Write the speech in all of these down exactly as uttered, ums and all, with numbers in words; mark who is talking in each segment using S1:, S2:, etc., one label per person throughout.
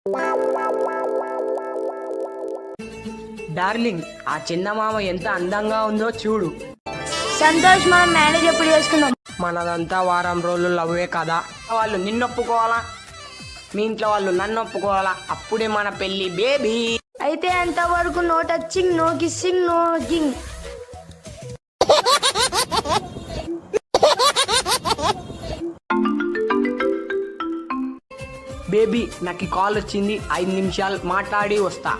S1: Darling, ఆ చందమామ ఎంత అందంగా ఉందో చూడు.
S2: సంతోష్, మనం మ్యారేజ్ ఎప్పుడు చేసుకుందాం?
S1: మనదంతా వారం రోజులు లవ్వే కదా. వాళ్ళు నిన్ను ఒప్పుకోవాలా, మీ ఇంట్లో వాళ్ళు నన్ను ఒప్పుకోవాలా, అప్పుడే మన పెళ్లి బేబీ.
S2: అయితే అంతవరకు no touching, no kissing, no hugging.
S1: Baby, నాకు కాల్ వచ్చింది, ఐదు నిమిషాలు మాట్లాడి వస్తా.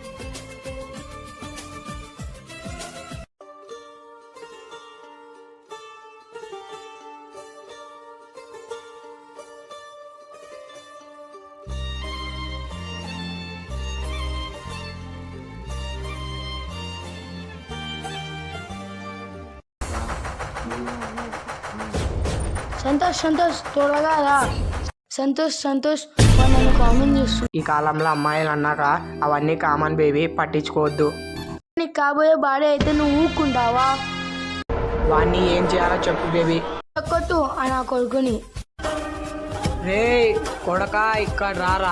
S2: సంతోష్ సంతోష్ త్వరగా రా. సంతోష్ సంతోష్ వాడు నన్ను కామెంట్ చేస్తుంది.
S1: ఈ కాలంలో అమ్మాయిలు అన్నాక అవన్నీ కామన్ బేబీ, పట్టించుకోవద్దు.
S2: నీకు కాబోయే బాడే అయితే నువ్వు ఊక్కుంటావా?
S1: వాణ్ణి ఏం చేయాలో చెప్పు బేబీ.
S2: కొట్టు ఆ నా కొడుకుని.
S1: రే కొడకా, ఇక్కడ రారా.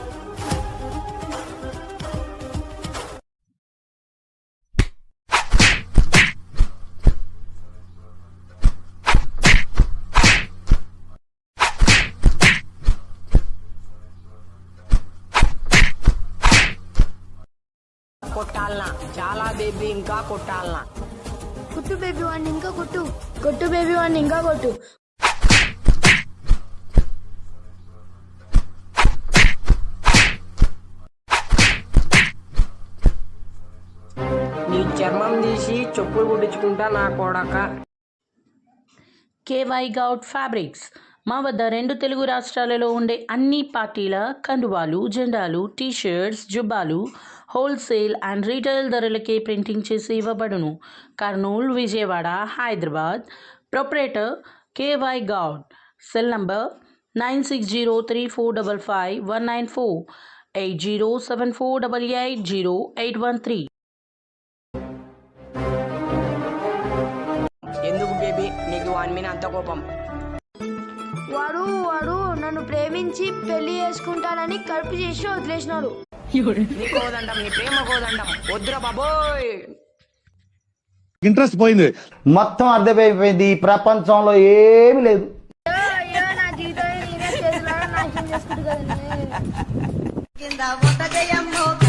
S1: కొట్టాలనా? చాలా బేబీ, ఇంకా కొట్టాలనా?
S2: కొట్టు బేబీ వాడిని ఇంకా కొట్టు. కొట్టు బేబీ వాడిని ఇంకా కొట్టు.
S1: నీ చర్మం తీసి చెప్పులు కుట్టించుకుంటా నా కొడక.
S3: కేవై గౌడ్ ఫ్యాబ్రిక్స్ మా వద్ద రెండు తెలుగు రాష్ట్రాలలో ఉండే అన్ని పార్టీల కండువాలు, జెండాలు, టీషర్ట్స్, జుబ్బాలు హోల్సేల్ అండ్ రీటైల్ ధరలకే ప్రింటింగ్ చేసి ఇవ్వబడును. Kurnool, Vijayawada, Hyderabad. Proprietor K Y Goud. Cell number nine six zero three four double five one nine four, eight zero seven four double eight zero eight one three.
S1: ఎందుకు బేబీ నీకు వాని మీద అంత కోపం?
S2: వాడు వాడు నన్ను ప్రేమించి పెళ్లి చేసుకుంటానని కడుపు చేసి వదిలేసినాడు.
S1: నీ కోదండం, నీ ప్రేమ కోదండం వద్దురా బాబోయ్.
S4: ఇంట్రెస్ట్ పోయింది,
S5: మొత్తం అర్థమైపోయింది. ఈ ప్రపంచంలో ఏమీ లేదు.
S2: అయ్యో, నా జీవితం నేనే చేతులారా నాశనం చేసుకుంటూ కదండి.
S6: కింద